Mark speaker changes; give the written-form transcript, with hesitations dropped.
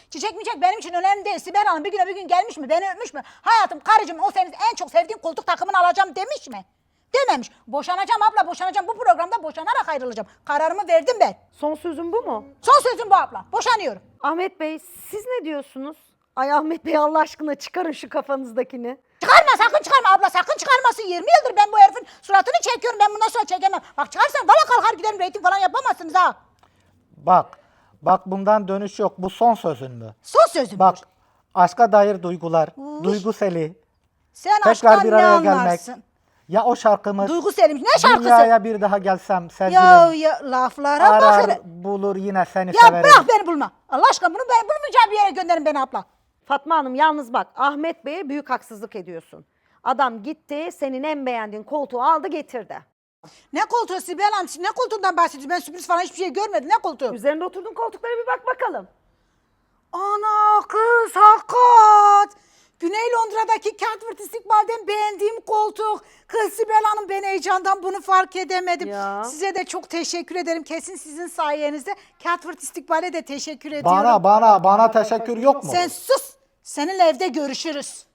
Speaker 1: Çiçek miçek benim için önemli değil. Sibel Hanım bir gün gelmiş mi? Beni öpmüş mü? Hayatım karıcığım o senin en çok sevdiğin koltuk takımını alacağım demiş mi? Dememiş. Boşanacağım abla boşanacağım. Bu programda boşanarak ayrılacağım. Kararımı verdim ben.
Speaker 2: Son sözün bu mu?
Speaker 1: Son sözüm bu abla. Boşanıyorum.
Speaker 2: Ahmet Bey siz ne diyorsunuz? Ay Ahmet Bey Allah aşkına çıkarın şu kafanızdakini.
Speaker 1: Çıkarma sakın çıkarma abla sakın çıkarmasın. 20 yıldır ben bu herifin suratını çekiyorum. Ben bundan sonra çekemem. Bak çıkarsan valla kalkar giderim reyting falan yapamazsınız ha.
Speaker 3: Bak bundan dönüş yok. Bu son sözün mü?
Speaker 1: Son sözüm.
Speaker 3: Bak aşka dair duygular, Duyguseli,
Speaker 1: Sen
Speaker 3: tekrar
Speaker 1: aşktan
Speaker 3: bir
Speaker 1: ne
Speaker 3: araya gelmek.
Speaker 1: anlarsın?
Speaker 3: Ya o şarkımız,
Speaker 1: Duygu Selim ne şarkısı?
Speaker 3: dünyaya bir daha gelsem sevgilim,
Speaker 1: Ya laflara bak
Speaker 3: arar
Speaker 1: hele.
Speaker 3: bulur yine seni
Speaker 1: Ya
Speaker 3: severim.
Speaker 1: bırak beni bulma. Allah aşkına bunu ben bulmayacağım bir yere gönderin beni abla.
Speaker 2: Fatma Hanım yalnız bak Ahmet Bey'e büyük haksızlık ediyorsun. Adam gitti senin en beğendiğin koltuğu aldı getirdi.
Speaker 1: Ne koltuğu Sibel Hanım? Siz ne koltuğundan bahsediyorsunuz? Ben sürpriz falan hiçbir şey görmedim. Ne koltuğu?
Speaker 2: Üzerinde oturduğun koltuklara bir bak bakalım.
Speaker 1: Ana kız hakikat. Güney Londra'daki Catford İstikbal'den beğendiğim koltuk. Kız Sibel Hanım ben heyecandan bunu fark edemedim.
Speaker 2: Ya.
Speaker 1: Size de çok teşekkür ederim. Kesin sizin sayenizde Catford İstikbal'e de teşekkür ediyorum.
Speaker 3: Bana teşekkür yok mu?
Speaker 1: Sen sus. Seninle evde görüşürüz.